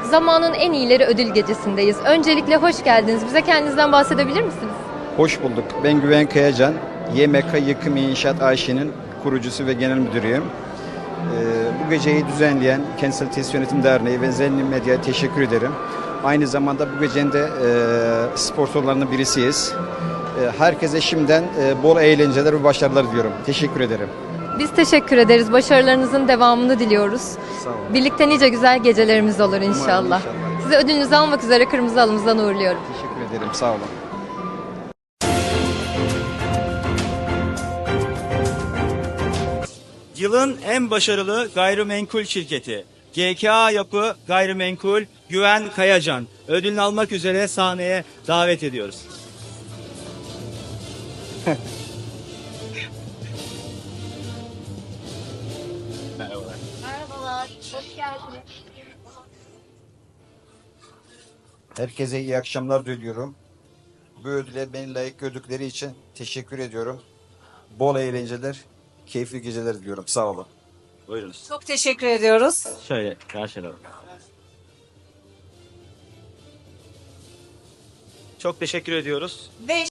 Zamanın en iyileri ödül gecesindeyiz. Öncelikle hoş geldiniz. Bize kendinizden bahsedebilir misiniz? Hoş bulduk. Ben Güven Kayacan, YMK Yıkım İnşaat AŞ'nin kurucusu ve genel müdürüyüm. Bu geceyi düzenleyen Kentsel Tesis Yönetim Derneği ve Zenni Medya'ya teşekkür ederim. Aynı zamanda bu gecenin de sponsorlarından birisiyiz. Herkese şimdiden bol eğlenceler ve başarılar diliyorum. Teşekkür ederim. Biz teşekkür ederiz. Başarılarınızın devamını diliyoruz. Sağ olun. Birlikte nice güzel gecelerimiz olur inşallah. Umarım inşallah. Size ödülünüzü almak üzere kırmızı halımızdan uğurluyorum. Teşekkür ederim. Sağ olun. Yılın en başarılı gayrimenkul şirketi GKA Yapı Gayrimenkul Güven Kayacan ödülünü almak üzere sahneye davet ediyoruz. Merhabalar. Merhabalar, hoş geldiniz. Herkese iyi akşamlar diliyorum. Bu ödüle beni layık gördükleri için teşekkür ediyorum. Bol eğlenceler, keyifli geceler diliyorum. Sağ olun. Buyurunuz. Çok teşekkür ediyoruz. Şöyle karşılayalım. Çok teşekkür ediyoruz. Ve